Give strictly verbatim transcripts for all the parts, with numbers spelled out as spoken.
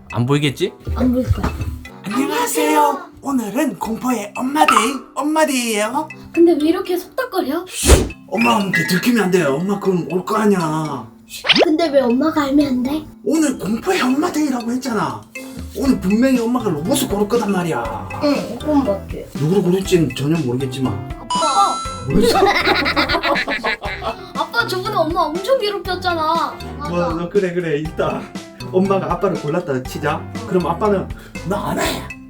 안 보이겠지? 안 보일 거야. 안녕하세요. 오늘은 공포의 엄마데이 엄마데이예요. 근데 왜 이렇게 속닥거려? 엄마한테 들키면 안 돼요. 엄마 그럼 올 거 아니야. 근데 왜 엄마가 알면 안 돼? 오늘 공포의 엄마데이라고 했잖아. 오늘 분명히 엄마가 로봇을 고를 거단 말이야. 응, 그건 맞지. 누구를 고를지는 전혀 모르겠지만. 아빠! 뭐였어? 아빠 저번에 엄마 엄청 괴롭혔잖아. 맞아. 뭐, 그래 그래 이따 엄마가 아빠를 골랐다 치자. 그럼 아빠는 나 안 해.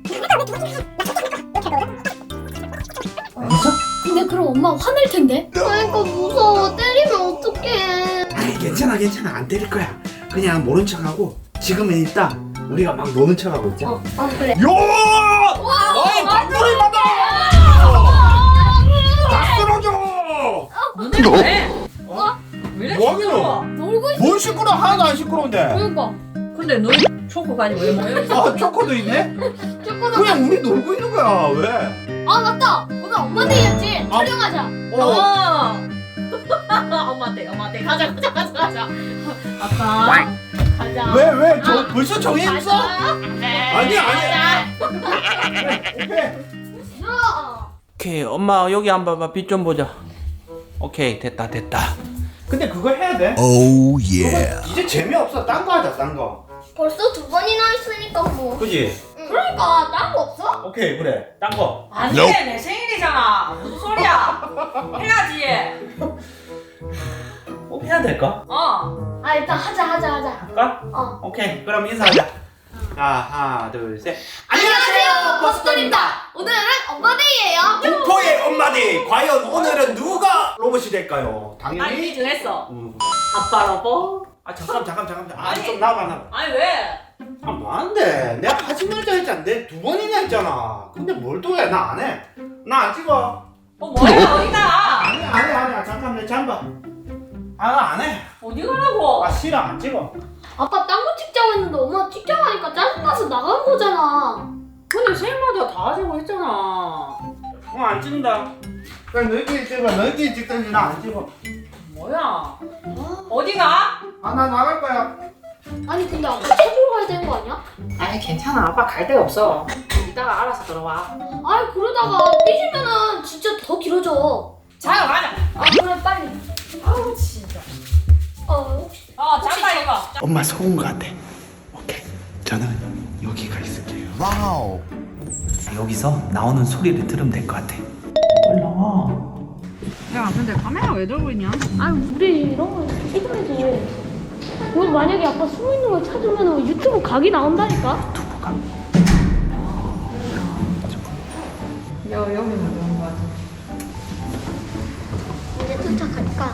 알았어? 근데 그럼 엄마 화낼 텐데? 그러니까 무서워. 때리면 어떡해. 아이 괜찮아 괜찮아 안 때릴 거야. 그냥 모른 척하고 지금은 이따 우리가 막 노는 척하고 있자. 어, 어 그래. 요! 너희 방구를 받아! 다 쓸어줘! 너네 왜? 어? 왜 이렇게 뭐 하기는? 시끄러워? 놀고 있어. 뭔 시끄러? 하나도 안 시끄러운데. 그러니까. 근데 너희 초코까지 왜 모여 있어? 아 초코도 있네? 초코도. 그냥 우리 놀고 있는 거야. 왜? 아 맞다. 오늘 엄마 데이였지. 아. 촬영하자. 어. 어. 엄마한테 엄마한테 가자 가자 가자 가자. 아빠 가자. 왜 왜? 저 아. 벌써 정했어? 아니야 아니야. 오케이. 싫어. 오케이 엄마 여기 한번 봐봐. 빛 좀 보자. 오케이 됐다 됐다. 근데 그거 해야 돼? Oh yeah. 그거 이제 재미없어. 딴 거 하자 딴 거. 벌써 두 번이나 했으니까 뭐. 그지? 그러니까 딴 거 없어? 오케이 그래. 딴 거. 안돼 Nope. 내 생일이잖아. 무슨 소리야? 해야지. 꼭 해야 될까? 어. 아 일단 하자 하자 하자. 할까? 어. 오케이 그럼 인사하자. 자 하나 둘 셋. 안녕하세요 버스터입니다. 오늘은 엄마 데이예요. 공포의 엄마들 과연 오늘은 누가 로봇이 될까요? 아니 당연히 정했어. 음. 아빠 로봇. 아 잠깐 잠깐 잠깐 아 아니. 좀 나와봐 나와봐. 아니 왜? 아 뭐하는데 내가 하지 말자 했잖아. 내 두 번이나 했잖아. 근데 뭘 또 해? 나 안 해. 나 안 찍어. 어 뭐야 어디가? 아니 아니 아니야 잠깐 내 잠바. 아나 안 해. 어디 가라고? 아 싫어 안 찍어. 아빠 딴 거 찍자고 했는데 엄마 찍자고 하니까 짜증나서 나간 거잖아. 근데 생일마다 다 하자고 했잖아. 어안 찍는다. 그냥 너희끼리 찍어. 너희끼리 찍든지 나 안 찍어. 뭐야? 어디가? 아 나 나갈 거야. 아니 근데 아빠 찾으러 가야 되는 거 아니야? 아니 괜찮아 아빠 갈 데가 없어. 이따가 알아서 들어와. 아이 그러다가 삐지면은 진짜 더 길어져. 자 가자. 아 그래 빨리. 아우 진짜. 어 혹시 어 잠깐 이거. 엄마 속은 거 같아. 오케이 저는 여기가 있을게요. Wow. 여기서 나오는 소리를 들으면 될 것 같아. 빨리 나와. 야 근데 카메라 왜 들고 있냐? 아 우리 이런 거 찍으면서 여기 만약에 아빠 숨어 있는 걸 찾으면 유튜브 각이 나온다니까. 여 여기만 들어온 거 같아. 이제 도착하니까.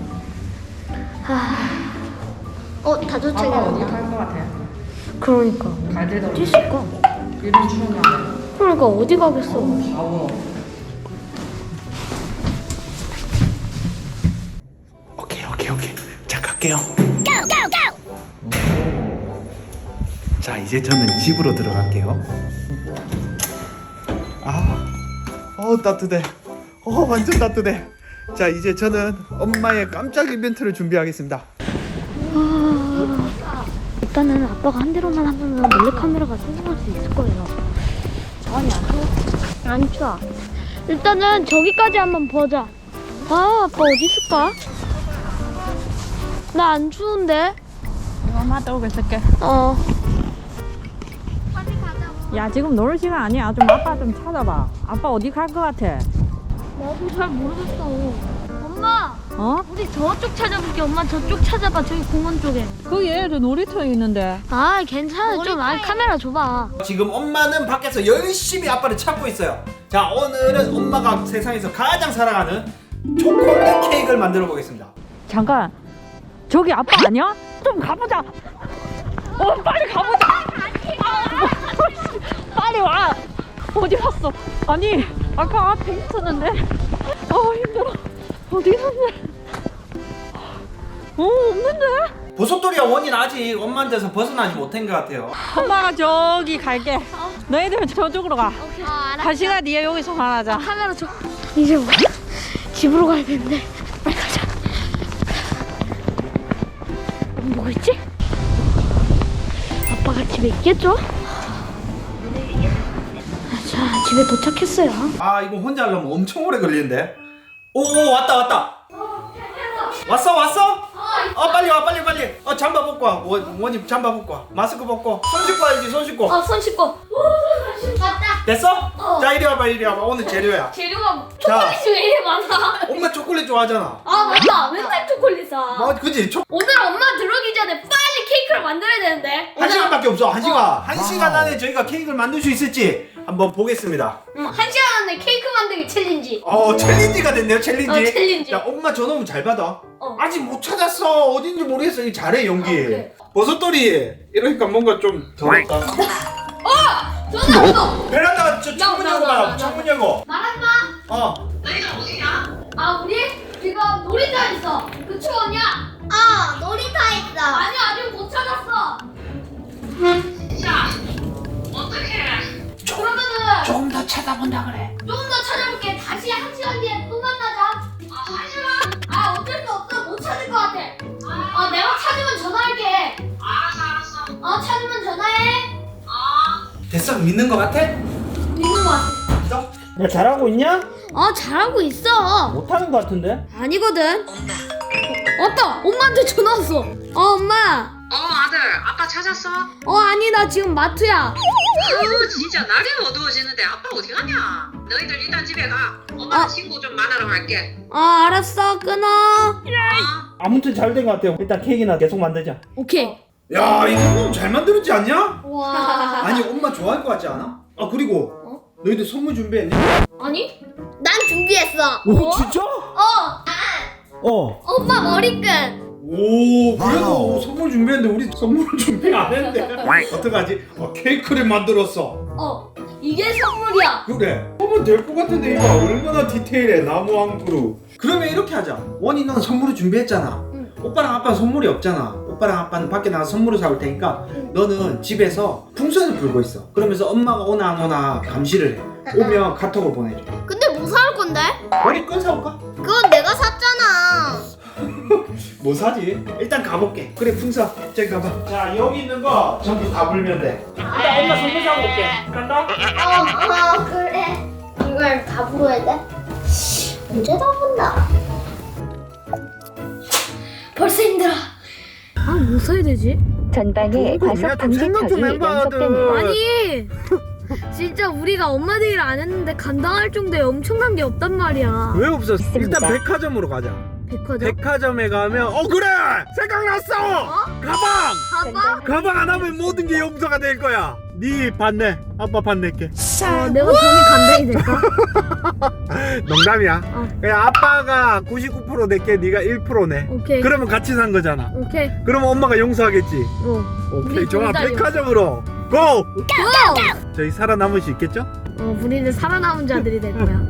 아, 어다 아빠 어디 도착했나? 갈 거 같아? 그러니까 갈 데도 어디 없어. 있을까? 이런 추운 날. 그러니까 어디 가겠어? 더워. 오케이 오케이 오케이 자 갈게요. 자 이제 저는 집으로 들어갈게요. 아, 어 따뜻해. 어 완전 따뜻해. 자 이제 저는 엄마의 깜짝 이벤트를 준비하겠습니다. 아, 일단은 아빠가 한 대로만 하면 몰래카메라가 성공할 수 있을 거예요. 아니 안 추워? 안 추워. 일단은 저기까지 한번 보자. 아 아빠 어디 있을까? 나 안 추운데. 엄마 떠오고 있을게. 어. 야 지금 놀 시간 아니야. 좀 아빠 좀 찾아봐. 아빠 어디 갈 것 같아? 나도 잘 모르겠어. 엄마, 어? 우리 저쪽 찾아볼게. 엄마 저쪽 찾아봐. 저기 공원 쪽에. 거기 애들 놀이터에 있는데. 아 괜찮아. 좀 아니 카메라 줘봐. 지금 엄마는 밖에서 열심히 아빠를 찾고 있어요. 자 오늘은 엄마가 세상에서 가장 사랑하는 초콜릿 케이크를 만들어 보겠습니다. 잠깐. 저기 아빠 아니야? 좀 가보자. 어 빨리 가보자. 빨리 와. 어디 갔어? 아니 아까 앞에 있었는데. 어 힘들어. 어디 있었는데? 어 없는데? 보석돌이야 원인 아직 엄마한테서 벗어나지 못한 것 같아요. 엄마가 저기 갈게. 너희들 저쪽으로 가. 아 알았어. 다시가 니네 여기서 말하자. 카메라 줘. 이제 뭐 집으로 가야 되는데 빨리 가자. 뭐 있지? 아빠가 집 집에 있겠죠? 자, 집에 도착했어요. 아 이거 혼자 하려면 엄청 오래 걸리는데. 오 왔다 왔다. 왔어 왔어? 어 빨리 와 빨리 빨리. 어 잠바 벗고 와. 원, 원님 잠바 벗고 와. 마스크 벗고. 손 씻고 와야지 손 씻고. 어, 손 씻고. 맞다. 됐어? 어. 자 이리 와봐 이리 와봐. 오늘 재료야. 재료가 자. 초콜릿이 왜 이래 많아? 엄마 초콜릿 좋아하잖아. 아, 맞다. 맨날 초콜릿 사. 뭐 그지? 초... 오늘 엄마 들어오기 전에 빨리 케이크를 만들어야 되는데. 한 시간밖에 없어 한 시간. 어. 한 시간 안에 저희가 케이크를 만들 수 있을지 한번 보겠습니다. 응, 한 시간 안에 케이크 만들기 챌린지. 어 챌린지가 됐네요 챌린지. 어, 챌린지. 자 엄마 전화면 잘 받아. 어. 아직 못 찾았어 어딘지 모르겠어. 이 잘해 연기. 아, 그래. 버섯돌이 이러니까 뭔가 좀 더럽다. 전화 왔어. 베란다 저 창문 나, 열고 나, 나, 가라 나. 창문 열고. 말하지 마. 어 아, 우리 지금 놀이터 있어. 그치, 언니야? 어, 놀이터 있어. 아니, 아직 못 찾았어. 그러면은 조금 더 찾아본다 그래. 조금 더 찾아볼게. 다시 한 시간 뒤에 또 만나자. 아, 한 시간? 아, 어쩔 수 없어. 못 찾을 것 같아. 아, 내가 찾으면 전화할게. 알았어, 알았어. 어, 찾으면 전화해. 됐어 믿는 거 같아? 믿는 거 같아. 야 잘하고 있냐? 어, 잘하고 있어. 못하는 거 같은데? 아니거든. 어, 왔다. 엄마한테 전화 왔어. 어, 엄마. 어 아들 아빠 찾았어? 어, 아니, 나 지금 마트야. 아유 진짜 날이 어두워지는데 아빠 어디 가냐? 너희들 일단 집에 가. 엄마는 어. 친구 좀 만나러 갈게. 어, 알았어. 끊어. 어? 아무튼 잘 된 거 같아요. 일단 케이크나 계속 만들자. 오케이. 야 이 정도면 잘 만들었지 않냐? 와. 아니 엄마 좋아할 것 같지 않아? 아 그리고 어? 너희들 선물 준비했니? 아니? 난 준비했어. 오 진짜? 어, 어. 오빠 머리끈. 오 그래도 선물 준비했는데 우리 선물 준비 안 했는데 어떡하지? 어, 케이크를 만들었어. 어. 이게 선물이야. 그래 하면 될 것 같은데 이거 얼마나 디테일해. 나무 한 그루. 그러면 이렇게 하자. 원이 넌 선물을 준비했잖아. 응. 오빠랑 아빠는 선물이 없잖아. 오빠랑 아빠는 밖에 나가서 선물을 사올 테니까 너는 집에서 풍선을 불고 있어. 그러면서 엄마가 오나 안 오나 감시를 해. 오면 카톡을 보내줘. 근데 뭐 살 건데? 머리 끈 사올까? 그건 내가 샀잖아. 뭐 사지? 일단 가볼게. 그래 풍선 저기 가봐. 자 여기 있는 거 전부 다 불면 돼. 일단 엄마 선물 사고 올게. 간다. 어, 어, 그래. 이걸 다 불어야 돼? 언제 다 분다? 벌써 힘들어. 아, 뭐 사야 되지? 전방에 과속 방지턱이 연속됩니다. 아니. 진짜 우리가 엄마들 일 안 했는데 감당할 정도의 엄청난 게 없단 말이야. 왜 없어? 있습니다. 일단 백화점으로 가자. 백화점? 백화점에 가면 어 그래 생각났어. 가방. 가방? 가방 안 하면 모든 게 용서가 될 거야. 네 반내. 아빠 반낼게. 어, 내가 돈이 감당이 될까? 농담이야. 어. 그냥 아빠가 구십구 퍼센트 낼게. 네가 일 퍼센트 내. 오케이. 그러면 같이 산 거잖아. 오케이. 그러면 엄마가 용서하겠지. 어. 오케이 우리 좋아. 둘다 백화점으로 고. 고! 저희 살아남을 수 있겠죠? 어, 우리는 살아남은 자들이 될 거야.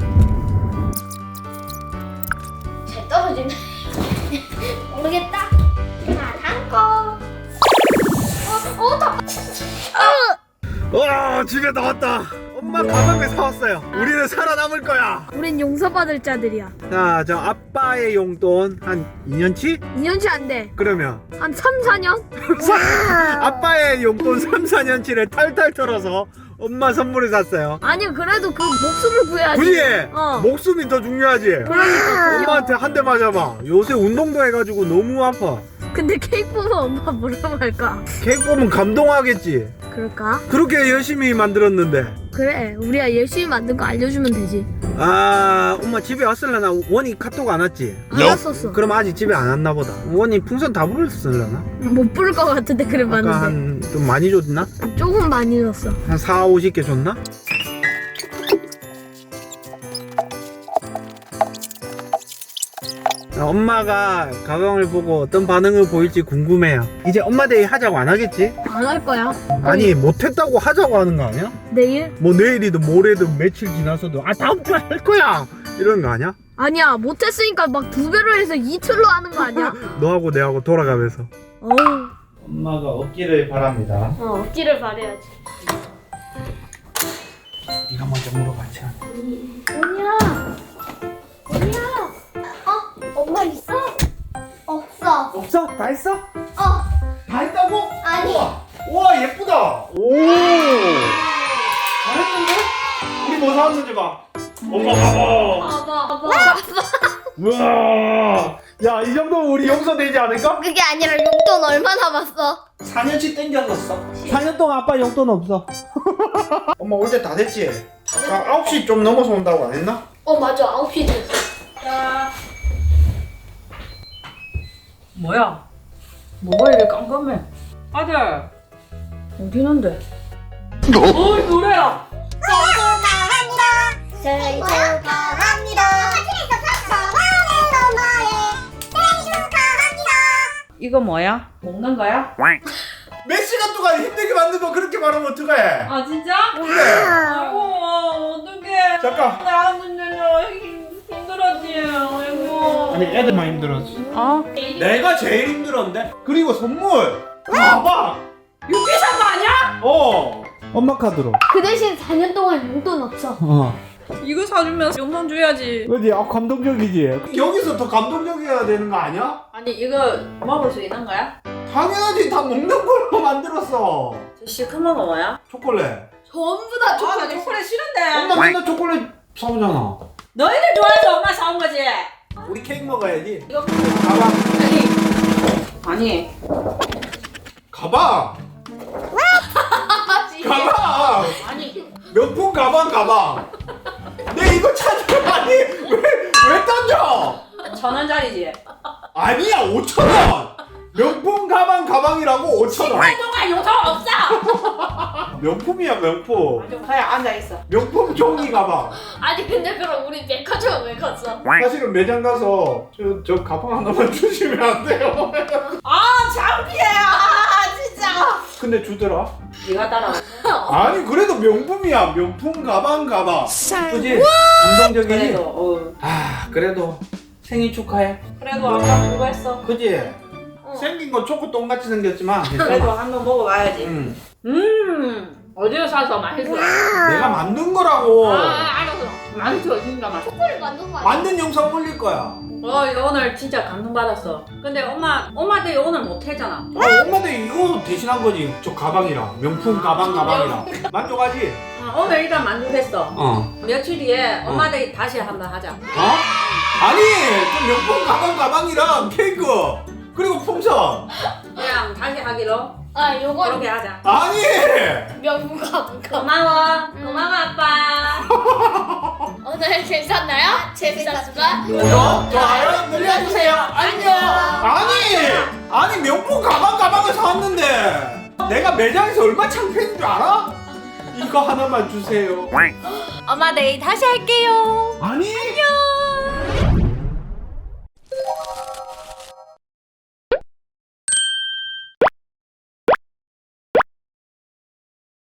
잘 떨어지네. 모르겠다. 자, 다음 거. 어, 어, 다. 와 집에 나왔다. 엄마 가방을 사왔어요. 우리는 살아남을 거야. 우린 용서받을 자들이야. 자, 저 아빠의 용돈 한 이 년치? 이 년치 안 돼. 그러면 한 삼, 사 년? 아빠의 용돈 삼, 사 년치를 탈탈 털어서 엄마 선물을 샀어요. 아니, 그래도 그 목숨을 구해야지. 굳이 어. 목숨이 더 중요하지. 그러니까. 엄마한테 한 대 맞아봐. 요새 운동도 해가지고 너무 아파. 근데 케이크 보면 엄마 뭐라고 할까? 케이크 보면 감동하겠지. 그럴까? 그렇게 열심히 만들었는데. 그래, 우리가 열심히 만든 거 알려주면 되지. 아 엄마 집에 왔을라나? 원이 카톡 안 왔지? 안 왔었어. 그럼 아직 집에 안 왔나 보다. 원이 풍선 다 불었을라나? 못 부를 것 같은데 그래 아까 봤는데. 한 좀 많이 줬나? 조금 많이 줬어. 한 사, 오십 개 줬나? 엄마가 가방을 보고 어떤 반응을 보일지 궁금해요. 이제 엄마 데이 하자고 안 하겠지? 안 할 거야. 아니 못했다고 하자고 하는 거 아니야? 내일? 뭐 내일이든 모레든 며칠 지나서도 아 다음 주에 할 거야 이런 거 아니야? 아니야, 못했으니까 막 두 배로 해서 이틀로 하는 거 아니야? 너하고 내하고 돌아가면서. 어우. 엄마가 없기를 바랍니다. 어, 억지를 바래야지. 네가 먼저 물어봤지. 언니야. 언니야. 어, 엄마 있어? 없어. 없어? 다 했어? 어, 다 했다고? 아니. 우와, 우와 예쁘다. 오 잘했는데? 우리 뭐 사왔는지 봐. 엄마 봐봐. 봐봐, 봐봐. 우와 야이 정도면 우리 용서되지 않을까? 그게 아니라 용돈 얼마 남았어? 사 년치 땡겼었어. 사 년 동안 아빠 용돈 없어. 엄마 올 때 다 됐지? 아, 아홉 시 좀 넘어서 온다고 안 했나? 어, 맞아. 아홉 시 됐어. 자. 뭐야? 뭐가 이렇게 깜깜해? 아들 어디 있는데? 어이 노래야. 생일 축하합니다. 이거 뭐야? 먹는 거야? 몇 시간 동안 힘들게 만든 거 그렇게 말하면 어떡해? 아 진짜? 그래. 아이고 어떡해. 잠깐. 나 근데요 힘들었지. 아이고. 아니 애들만 힘들었어. 어? 내가 제일 힘들었는데? 그리고 선물! 봐봐! 유기산 거 아니야? 어! 엄마 카드로. 그 대신 사 년 동안 용돈 없어. 어. 이거 사주면 용돈 줘야지. 그지? 아, 감동적이지? 여기서 더 감동적이어야 되는 거 아니야? 아니 이거 먹을 수 있는 거야? 당연하지! 다 먹는 걸로 만들었어! 저 시큼한 거 뭐야? 초콜릿. 전부 다 아, 나 초콜릿 싫은데. 엄마 맨날 초콜릿 사오잖아. 너희들 좋아해서 엄마 사온 거지. 우리 케이크 먹어야지. 이거 가방. 아니. 가방! 가방! 아니. 명품 가방, 가방! 내 이거 찾으면 아니! 왜, 왜 던져! 천 원짜리지. 아니야, 오천 원! 명품 가방, 가방이라고 오천 원! 동안 용돈 없어. 명품이야, 명품. 좀 그래 앉아 있어. 명품 종이 가방. 아니, 근데 그럼 우리 백화점 왜 갔어? 사실은 매장 가서 저, 저 가방 하나만 주시면 안 돼요? 아 창피해. 아 진짜. 근데 주더라. 네가 따라. 아니, 그래도 명품이야. 명품 가방, 가방. 그지? 감동적이지? 그래도 어. 아, 그래도 생일 축하해. 그래도 아까 그거 했어. 그지? 생긴 건 초코 똥같이 생겼지만 그래도 괜찮아. 한번 먹어봐야지. 응. 음. 어디서 사서 맛있어? 내가 만든 거라고. 아 알았어. 맛있어 진짜 맛있어. 초콜릿 만든 거 아니야? 만든 영상 올릴 거야. 어 이거 오늘 진짜 감동받았어. 근데 엄마 엄마한테 오늘 못 했잖아. 아, 엄마들 이거 대신한 거지. 저 가방이랑 명품 가방 가방이랑 만족하지? 어, 오늘 일단 만족했어. 어. 며칠 뒤에 엄마들 다시 한번 하자. 어? 아니, 저 명품 가방 가방이랑 케이크 그리고 풍선. 그냥 다시 하기로 아, 요거 그렇게 하자. 아니. 명품 가방. 고마워. 고마워 아빠. 오늘 재밌었나요? 재밌었을까? 구독, 좋아요 눌러주세요. 안녕. 아니, 아니 명품 가방 가방을 사왔는데 내가 매장에서 얼마 창피했는 줄 알아? 이거 하나만 주세요. 엄마 내일 다시 할게요. 아니. 안녕.